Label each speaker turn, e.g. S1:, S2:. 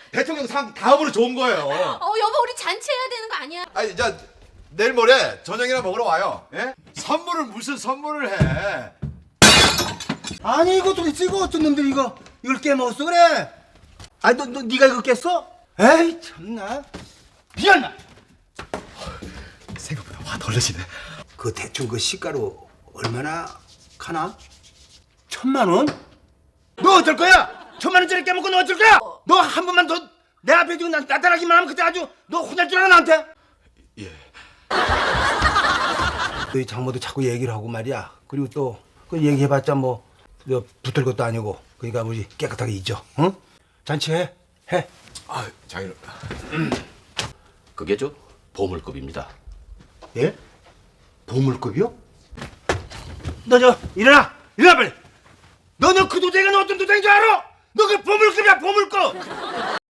S1: 대통령 상 다음으로 좋은 거예요.
S2: 여보 우리 잔치해야 되는 거 아니야?
S1: 아니, 내일 모레 저녁이나 먹으러 와요. 예? 선물을 무슨 선물을 해?
S3: 아니 이거 도대체 이거 어떤 놈들이 이걸 깨먹었어 그래? 아니 너 네가 이거 깼어? 에이 참나 미안나.
S1: 생각보다 화 덜 내시네.
S3: 그 대충 그 시가로 얼마나 가나? 1,000만 원? 너 어쩔 거야? 1,000만 원짜리 깨먹고 너 어쩔 거야? 너 한 번만 더 내 앞에 두고 나타나기만 하면 그때 아주 너 혼날 줄 알아 나한테?
S1: 예.
S3: 너희 장모도 자꾸 얘기를 하고 말이야. 그리고 또 그 얘기해봤자 뭐 붙을 것도 아니고. 그러니까 우리 깨끗하게 잊어. 응? 잔치해. 해.
S1: 아, 장인어.
S4: 그게 저 보물급입니다.
S3: 예? 보물급이요? 너 일어나 빨리. 너 그 도장이 어떤 도장인 줄 알아? 너 그 보물급이야 보물급.